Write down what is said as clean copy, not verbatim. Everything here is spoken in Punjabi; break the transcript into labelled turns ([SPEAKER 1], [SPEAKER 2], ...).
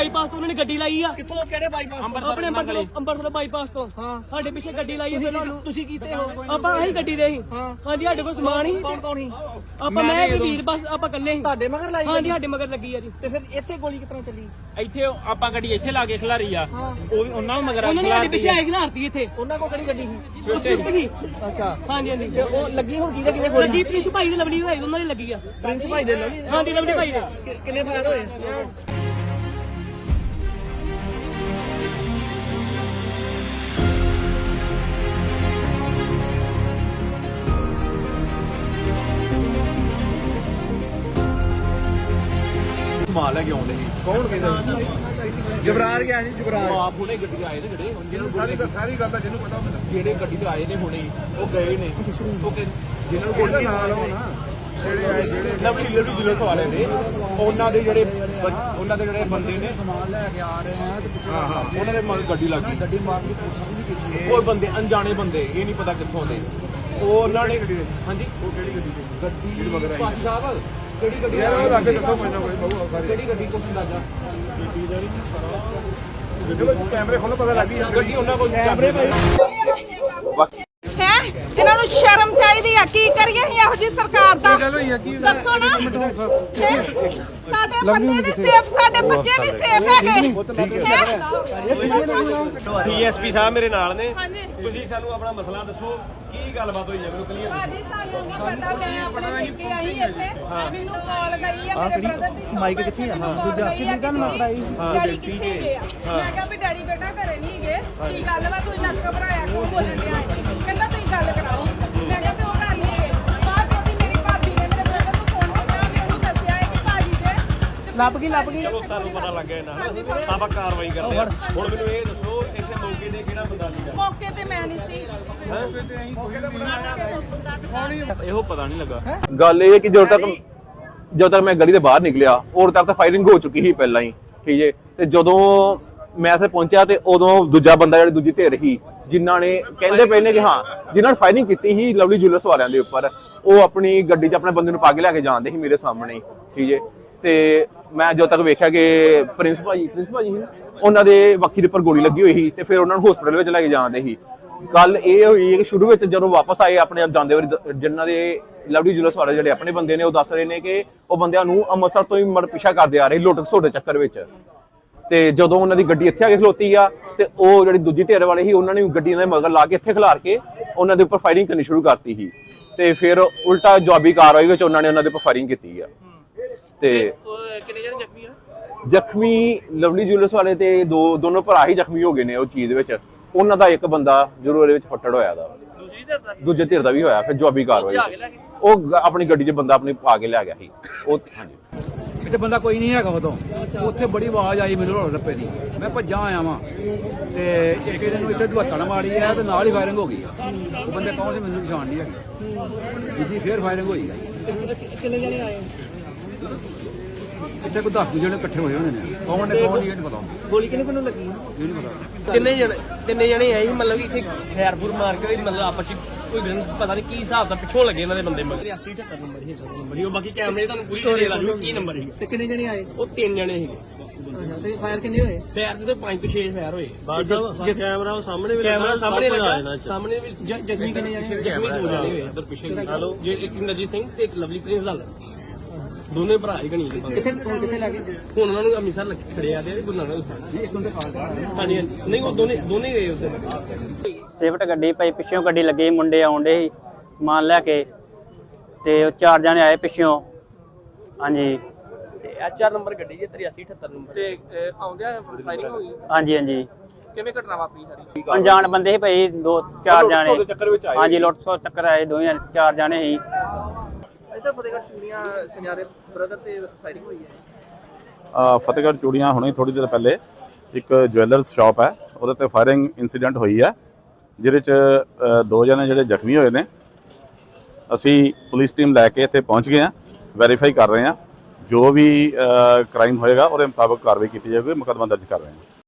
[SPEAKER 1] ਬਾਈਪਾਸ ਤੋਂ ਉਹਨਾਂ ਨੇ ਗੱਡੀ ਲਾਈ ਆ।
[SPEAKER 2] ਕਿੱਥੋਂ ਕਿਹੜੇ ਬਾਈਪਾਸ?
[SPEAKER 1] ਆਪਣੇ ਅੰਬਰਸਰ ਬਾਈਪਾਸ ਤੋਂ। ਸਾਡੇ ਪਿੱਛੇ ਗੱਡੀ ਲਾਈ ਹੈ। ਫਿਰ
[SPEAKER 2] ਤੁਸੀਂ ਕੀਤੇ ਹੋ?
[SPEAKER 1] ਆਪਾਂ ਆਹੀ ਗੱਡੀ ਦੇ ਸੀ। ਹਾਂਜੀ ਸਾਡੇ ਕੋਲ ਸਮਾਨ ਹੀ।
[SPEAKER 2] ਕੌਣ ਕੌਣ ਸੀ?
[SPEAKER 1] ਆਪਾਂ ਮੈਂ ਤੇ ਵੀਰ ਬਸ ਆਪਾਂ ਇਕੱਲੇ ਸੀ।
[SPEAKER 2] ਤੁਹਾਡੇ ਮਗਰ ਲਾਈ?
[SPEAKER 1] ਹਾਂਜੀ ਸਾਡੇ ਮਗਰ ਲੱਗੀ ਆ ਜੀ।
[SPEAKER 2] ਤੇ ਫਿਰ ਇੱਥੇ ਗੋਲੀ ਕਿਤਨਾ ਚੱਲੀ?
[SPEAKER 3] ਇੱਥੇ ਆਪਾਂ ਗੱਡੀ ਇੱਥੇ ਲਾ ਕੇ ਖਿਲਾਰੀ ਆ, ਉਹ ਵੀ ਉਹਨਾਂ ਨੂੰ ਮਗਰ
[SPEAKER 1] ਉਹਨਾਂ ਨੇ ਸਾਡੇ ਪਿੱਛੇ ਆਈ ਖਿਲਾਰਤੀ ਇੱਥੇ।
[SPEAKER 2] ਉਹਨਾਂ ਕੋਲ ਕਿਹੜੀ ਗੱਡੀ ਸੀ?
[SPEAKER 1] ਉਹ ਸਵਿਫਟ ਸੀ।
[SPEAKER 2] ਅੱਛਾ
[SPEAKER 1] ਹਾਂਜੀ ਹਾਂਜੀ।
[SPEAKER 2] ਤੇ ਉਹ ਲੱਗੀ ਹੁਣ ਕਿਹਦੇ ਕਿਹਦੇ ਗੋਲੀ?
[SPEAKER 1] ਲੱਗੀ ਪ੍ਰਿੰਸ ਭਾਈ ਦੇ ਲਵਲੀ ਹੋਈ ਉਹਨਾਂ ਨੇ ਲੱਗੀ ਆ।
[SPEAKER 2] ਪ੍ਰਿੰਸ ਭਾਈ ਦੇ ਲਵਲੀ?
[SPEAKER 1] ਹਾਂਜੀ ਲਵਲੀ ਭਾਈ ਦੇ।
[SPEAKER 2] ਕਿੰਨੇ ਫਾਇਰ ਹੋਏ?
[SPEAKER 3] ਸਮਾਨ ਲੈ ਕੇ ਆਉਂਦੇ ਸੀ।
[SPEAKER 2] ਕੌਣ ਕਹਿੰਦਾ? ਜਬਰਾਰ ਗਿਆ ਸੀ। ਜਬਰਾਰ
[SPEAKER 3] ਆਪ ਹੁਣੇ ਗੱਡੀ ਆਏ ਨੇ ਜਿਹੜੇ ਸਾਰੀ ਗੱਲ ਦਾ ਜਿਹਨੂੰ ਪਤਾ ਜਿਹੜੇ ਗੱਡੀ ਤੇ ਆਏ ਨੇ ਹੁਣੇ ਉਹ ਗਏ ਨੇ, ਉਹ ਜਿਹਨਾਂ ਨੂੰ ਗੋਲੀ ਨਾਲ ਹੋ ਨਾ ਜਿਹੜੇ ਨਵਸ਼ੀਲੇ ਦੀ ਜ਼ਿਲ੍ਹੇ ਵਾਲੇ ਨੇ ਉਹਨਾਂ ਦੇ ਜਿਹੜੇ ਬੰਦੇ ਨੇ ਸਮਾਨ ਲੈ ਕੇ ਆ ਰਹੇ ਆ ਤੇ ਪਿੱਛੇ ਉਹਨਾਂ ਦੇ ਮਗਰ ਗੱਡੀ ਲੱਗ ਗਈ। ਗੱਡੀ ਮਾਰਨ ਦੀ ਕੋਸ਼ਿਸ਼ ਵੀ ਕੀਤੀ। ਉਹ ਬੰਦੇ ਅਣਜਾਣੇ ਬੰਦੇ, ਇਹ ਨਹੀਂ ਪਤਾ ਕਿੱਥੋਂ ਦੇ। ਉਹ ਉਹਨਾਂ ਨੇ ਹਾਂਜੀ ਉਹ ਕਿਹੜੀ ਗੱਡੀ ਮਗਰ ਆਈ ਸਾਹਿਬ ਕਿਹੜੀ ਗੱਡੀ ਯਾਰ ਉਹ ਲੱਗੇ ਦੱਸੋ ਮੈਨੂੰ ਕੋਈ ਬਹੁ ਕਿਹੜੀ ਗੱਡੀ ਕੁਛ ਅੰਦਾਜ਼ਾ ਗੱਡੀ ਦਾ ਨਹੀਂ ਕੈਮਰੇ ਖੋਲੋ ਪਤਾ ਲੱਗ ਗਈ ਗੱਡੀ ਉਹਨਾਂ ਕੋਲ ਕੈਮਰੇ
[SPEAKER 4] ਹੈ। ਇਹਨਾਂ ਨੂੰ ਸ਼ਰਮ ਚਾਹੀਦੀ ਆ। ਕੀ ਕਰੀਏ ਅਸੀਂ ਇਹੋ ਜੀ ਸਰਕਾਰ ਦਾ? ਦੱਸੋ ਨਾ। ਸਾਡੇ ਬੰਦੇ ਨਹੀਂ ਸੇਫ, ਸਾਡੇ ਬੱਚੇ ਨਹੀਂ ਸੇਫ ਹੈਗੇ।
[SPEAKER 5] ਡੀਐਸਪੀ ਸਾਹਿਬ ਮੇਰੇ ਨਾਲ ਨੇ।
[SPEAKER 4] ਹਾਂਜੀ
[SPEAKER 5] ਤੁਸੀਂ ਸਾਨੂੰ ਆਪਣਾ ਮਸਲਾ ਦੱਸੋ, ਕੀ ਗੱਲਬਾਤ ਹੋਈ ਹੈ ਮੈਨੂੰ ਕਲੀਅਰ।
[SPEAKER 4] ਭਾਜੀ ਸਾਨੂੰ ਨਹੀਂ ਪਤਾ। ਮੈਂ ਆਪਣੇ ਬੇਟੇ ਆਈ ਇੱਥੇ, ਮੈਨੂੰ ਕਾਲ ਗਈ ਆ ਮੇਰੇ ਬ੍ਰਦਰ ਦੀ। ਮਾਈਕ ਕਿੱਥੇ ਆ? ਦੂਜਾ ਕਿੰਨੀ ਗੱਲ ਮਾਰਦਾ ਡੈਡੀ ਕਿੱਥੇ ਗਏ ਆ? ਮੈਂ ਕਿਹਾ ਵੀ ਡੈਡੀ ਬੇਟਾ ਘਰੇ ਨਹੀਂ ਗਏ। ਕੀ ਗੱਲ ਵਾ? ਤੂੰ ਨੱਕ ਘਬਰਾਇਆ ਕਿਉਂ ਬੋਲਣ ਡਿਆ? ਕਹਿੰਦਾ ਤੁਸੀਂ ਗੱਲ ਕਰਾਓ। ਮੈਂ ਕਿਹਾ ਵੀ ਉਹ ਗੱਲ ਨਹੀਂ ਗਏ। ਬਾਅਦ ਵਿੱਚ ਮੇਰੀ ਭਾਬੀ ਨੇ ਮੇਰੇ ਬ੍ਰਦਰ ਨੂੰ ਫੋਨ ਕੀਤਾ ਤੇ ਉਹਨੂੰ ਦੱਸਿਆ ਹੈ ਕਿ ਭਾਜੀ ਦੇ
[SPEAKER 2] ਲੱਭ ਗਈ
[SPEAKER 5] ਚਲੋ ਤੁਹਾਨੂੰ ਪਤਾ ਲੱਗ ਗਿਆ ਇਹਨਾਂ ਆਪਾਂ ਕਾਰਵਾਈ ਕਰਦੇ ਹਾਂ। ਹੁਣ ਮੈਨੂੰ ਇਹ ਦੱਸੋ ਇਸੇ ਮੌਕੇ ਤੇ ਕਿਹੜਾ ਬੰਦਾ ਸੀਗਾ?
[SPEAKER 4] ਮੌਕੇ ਤੇ ਮੈਂ ਨਹੀਂ ਸੀ।
[SPEAKER 3] ਇਹੋ ਪਤਾ ਨਹੀਂ ਲੱਗਾ।
[SPEAKER 6] ਗੱਲ ਇਹ ਹੈ ਕਿ ਜਦੋਂ ਤੱਕ ਮੈਂ ਗਲੀ ਦੇ ਬਾਹਰ ਨਿਕਲਿਆ ਉਦੋਂ ਤੱਕ ਤਾਂ ਫਾਇਰਿੰਗ ਹੋ ਚੁੱਕੀ ਸੀ ਪਹਿਲਾਂ ਹੀ, ਠੀਕ ਹੈ। ਤੇ ਜਦੋਂ ਮੈਂ ਇੱਥੇ ਪਹੁੰਚਿਆ ਤੇ ਉਦੋਂ ਦੂਜਾ ਬੰਦਾ ਜਿਹੜੀ ਦੂਜੀ ਧਿਰ ਸੀ ਜਿਨ੍ਹਾਂ ਨੇ ਕਹਿੰਦੇ ਪਏ ਨੇ ਕਿ ਹਾਂ ਜਿਨ੍ਹਾਂ ਨੇ ਫਾਇਰਿੰਗ ਕੀਤੀ ਸੀ ਲਵਲੀ ਜੁਐਲਰਸ ਵਾਲਿਆਂ ਦੇ ਉੱਪਰ, ਉਹ ਆਪਣੀ ਗੱਡੀ 'ਚ ਆਪਣੇ ਬੰਦੇ ਨੂੰ ਪਾ ਕੇ ਲੈ ਕੇ ਜਾਂਦੇ ਸੀ ਮੇਰੇ ਸਾਹਮਣੇ ਹੀ, ਠੀਕ ਹੈ। ਤੇ ਮੈਂ ਜਦੋਂ ਤੱਕ ਵੇਖਿਆ ਕਿ ਪ੍ਰਿੰਸ ਭਾਜੀ ਸੀ ਉਹਨਾਂ ਦੇ ਵੱਖੀ ਦੇ ਉੱਪਰ ਗੋਲੀ ਲੱਗੀ ਹੋਈ ਸੀ ਤੇ ਫਿਰ ਉਹਨਾਂ ਨੂੰ ਹਸਪੀਟਲ ਵਿੱਚ ਲੈ ਕੇ ਜਾਂਦੇ ਸੀ। ਗੱਲ ਇਹ ਹੋਈ ਕਿ ਸ਼ੁਰੂ ਵਿੱਚ ਜਦੋਂ ਵਾਪਸ ਆਏ ਆਪਣੇ ਜਾਂਦੇ ਵਾਰੀ ਜਿਨ੍ਹਾਂ ਦੇ ਲਵਲੀ ਜੁਐਲਰਸ ਵਾਲੇ ਜਿਹੜੇ ਆਪਣੇ ਬੰਦੇ ਨੇ ਉਹ ਦੱਸ ਰਹੇ ਨੇ ਕਿ ਉਹ ਬੰਦਿਆਂ ਨੂੰ ਅੰਮ੍ਰਿਤਸਰ ਤੋਂ ਹੀ ਪਿੱਛਾ ਕਰਦੇ ਆ ਰਹੇ ਲੁੱਟ ਖਸੁੱਟ ਦੇ ਚੱਕਰ ਵਿੱਚ। ਤੇ ਜਦੋਂ ਉਹਨਾਂ ਦੀ ਗੱਡੀ ਇੱਥੇ ਆ ਕੇ ਖਲੋਤੀ ਆ ਤੇ ਉਹ ਜਿਹੜੀ ਦੂਜੀ ਧਿਰ ਵਾਲੇ ਸੀ ਉਹਨਾਂ ਨੇ ਗੱਡੀ ਦੇ ਮਗਰ ਲਾ ਕੇ ਇੱਥੇ ਖਿਲਾਰ ਕੇ ਉਹਨਾਂ ਦੇ ਉੱਪਰ ਫਾਇਰਿੰਗ ਕਰਨੀ ਸ਼ੁਰੂ ਕਰਤੀ ਸੀ। ਤੇ ਫਿਰ ਉਲਟਾ ਜਵਾਬੀ ਕਾਰਵਾਈ ਵਿੱਚ ਉਹਨਾਂ ਨੇ ਉਹਨਾਂ ਦੇ ਉੱਪਰ ਫਾਇਰਿੰਗ ਕੀਤੀ ਆ। ਤੇ
[SPEAKER 3] ਕਿੰਨੇ ਜਣੇ ਜ਼ਖਮੀ ਆ?
[SPEAKER 6] ਜ਼ਖਮੀ ਲਵਲੀ ਜੁਐਲਰਸ ਵਾਲੇ ਤੇ ਦੋਨੋਂ ਭਰਾ ਹੀ ਜ਼ਖਮੀ ਹੋ ਗਏ ਨੇ ਉਹ ਚੀਜ਼ ਵਿੱਚ। ਉਹਨਾਂ ਦਾ ਇੱਕ ਬੰਦਾ ਜ਼ਰੂਰ ਇਹਦੇ ਵਿੱਚ ਫੱਟੜ ਹੋਇਆ ਦਾ, ਦੂਜੇ ਧਿਰ ਦਾ ਵੀ ਹੋਇਆ। ਫਿਰ ਜਵਾਬੀ ਕਾਰਵਾਈ ਉਹ ਆਪਣੀ ਗੱਡੀ 'ਚ ਬੰਦਾ ਆਪਣੀ ਪਾ ਕੇ ਲੈ ਗਿਆ ਸੀ ਉਹ। ਹਾਂਜੀ
[SPEAKER 7] ਇੱਥੇ ਬੰਦਾ ਕੋਈ ਨਹੀਂ ਹੈਗਾ ਉਦੋਂ। ਉੱਥੇ ਬੜੀ ਆਵਾਜ਼ ਆਈ ਮੈਨੂੰ ਰੋਲ ਰੱਪੇ ਦੀ, ਮੈਂ ਭੱਜਾਂ ਆਇਆ ਵਾਂ ਤੇ ਇੱਕ ਇਹਨੂੰ ਇੱਥੇ ਧੁੱਤਣ ਮਾਰੀ ਹੈ ਤੇ ਨਾਲ ਹੀ ਫਾਇਰਿੰਗ ਹੋ ਗਈ। ਉਹ ਬੰਦੇ ਕੌਣ ਸੀ ਮੈਨੂੰ ਪਛਾਣ ਨਹੀਂ ਹੈਗੀ। ਦੂਜੀ ਫੇਰ ਫਾਇਰਿੰਗ ਹੋਈ ਹੈ।
[SPEAKER 2] ਕਿੰਨੇ ਜਣੇ ਆਏ?
[SPEAKER 7] ਇੱਥੇ ਕੋਈ 10 ਜਣੇ ਇਕੱਠੇ ਹੋਏ ਹੋਣੇ ਨੇ। ਕੌਣ ਨੇ ਕੌਣ ਨਹੀਂ ਇਹ ਨਹੀਂ ਪਤਾ।
[SPEAKER 2] ਗੋਲੀ ਕਿਹਨੂੰ ਲੱਗੀ?
[SPEAKER 7] ਇਹ ਨਹੀਂ ਪਤਾ।
[SPEAKER 1] ਤਿੰਨੇ ਜਣੇ ਆਏ ਮਤਲਬ ਕਿ ਇੱਥੇ ਖੈਰਪੁਰ ਮਾਰ ਕੇ ਮਤਲਬ ਆਪਸ ਚ ਕੋਈ ਪਤਾ ਨਹੀਂ ਕੀ ਹਿਸਾਬ ਦਾ ਪਿੱਛੋਂ ਲੱਗੇ ਇਹਨਾਂ ਦੇ ਬੰਦੇ ਮਗਰ। 83 ਨੰਬਰ ਹੀ ਉਹ ਬਾਕੀ ਕੈਮਰੇ ਤੁਹਾਨੂੰ ਪੂਰੀ ਡਿਟੇਲ ਆ ਜੂ ਕੀ ਨੰਬਰ ਸੀ।
[SPEAKER 2] ਤੇ ਕਿੰਨੇ ਜਣੇ ਆਏ?
[SPEAKER 1] ਉਹ 3 ਜਣੇ ਸੀਗੇ।
[SPEAKER 2] ਤੇ ਫਾਇਰ ਕਿੰਨੇ ਹੋਏ?
[SPEAKER 1] ਫਾਇਰ ਤੇ 5 ਤੋਂ 6 ਫਾਇਰ ਹੋਏ।
[SPEAKER 5] ਕੈਮਰਾ ਉਹ ਸਾਹਮਣੇ ਵੀ
[SPEAKER 1] ਕੈਮਰਾ ਸਾਹਮਣੇ ਲੱਗਾ, ਸਾਹਮਣੇ ਵੀ
[SPEAKER 2] ਜ਼ਖਮੀ ਕਿੰਨੇ ਜਣੇ?
[SPEAKER 1] ਜ਼ਖਮੀ 2 ਜਣੇ ਹੋਏ ਇੱਧਰ ਪਿੱਛੇ। ਹਲੋ ਜੇ ਇੱਕ ਇੰਦਰਜੀਤ ਸਿੰਘ ਤੇ ਇੱਕ ਲਵਲੀ ਪ੍ਰਿੰਸ ਦਾ ਦੋਨੇ ਭਰਾ ਹੀ ਗਣੀ
[SPEAKER 2] ਕਿੱਥੇ ਲੱਗੇ?
[SPEAKER 1] ਹੁਣ ਉਹਨਾਂ ਨੂੰ ਅੰਮ੍ਰਿਤਸਰ ਖੜੇ ਆ ਤੇ ਗੁਰੂ ਨਾਨਕ ਸਾਹਿਬ ਇੱਕ ਬੰਦੇ ਕਾਲ ਹਾਂਜੀ ਨਹੀਂ ਉਹ ਦੋਨੇ ਗਏ ਉਸ ਦਿਨ।
[SPEAKER 8] ਸਵਿਫਟ ਗੱਡੀ ਪਈ ਪਿੱਛੋਂ ਗੱਡੀ ਲੱਗੀ, ਮੁੰਡੇ ਆਉਂਦੇ ਸੀ ਸਮਾਨ ਲੈ ਕੇ ਤੇ ਉਹ 4 ਜਣੇ ਆਏ ਪਿੱਛੋਂ। ਹਾਂਜੀ
[SPEAKER 1] ਤੇ HR ਨੰਬਰ ਗੱਡੀ ਜੇ 8378 ਨੰਬਰ ਤੇ ਆਉਂਦਿਆਂ ਫਾਇਰਿੰਗ ਹੋ ਗਈ।
[SPEAKER 8] ਹਾਂਜੀ ਹਾਂਜੀ
[SPEAKER 1] ਕਿਵੇਂ ਘਟਨਾ ਵਾਪਰੀ ਸਾਰੀ?
[SPEAKER 8] ਅਣਜਾਣ ਬੰਦੇ ਸੀ ਭਾਈ 2-4 ਜਣੇ। ਹਾਂਜੀ ਲੁੱਟ ਸੋ ਚੱਕਰ ਆਏ 4 ਜਣੇ ਸੀ।
[SPEAKER 2] ਅੱਛਾ ਫਤਿਹਗੜ੍ਹ ਚੂੜੀਆਂ ਸੁਨਿਆਰੇ ਬ੍ਰਦਰ ਤੇ ਫਾਇਰਿੰਗ ਹੋਈ ਹੈ।
[SPEAKER 9] ਫਤਿਹਗੜ੍ਹ ਚੂੜੀਆਂ ਹੁਣੇ ਥੋੜੀ ਦੇਰ ਪਹਿਲੇ ਇੱਕ ਜੁਐਲਰਸ ਸ਼ਾਪ ਹੈ ਉਹਦੇ ਤੇ ਫਾਇਰਿੰਗ ਇਨਸੀਡੈਂਟ ਹੋਈ ਹੈ ਜਿਹਦੇ ਚ 2 ਜਣੇ ਜਿਹੜੇ ਜ਼ਖਮੀ ਹੋਏ ਨੇ। ਅਸੀਂ ਪੁਲਿਸ ਟੀਮ ਲੈ ਕੇ ਇੱਥੇ ਪਹੁੰਚ ਗਏ ਹਾਂ, ਵੈਰੀਫਾਈ ਕਰ ਰਹੇ ਹਾਂ। ਜੋ ਵੀ ਕ੍ਰਾਈਮ ਹੋਏਗਾ ਉਹਦੇ ਮੁਤਾਬਕ ਕਾਰਵਾਈ ਕੀਤੀ ਜਾਵੇਗੀ। ਮੁਕੱਦਮਾ ਦਰਜ ਕਰ ਰਹੇ ਹਾਂ।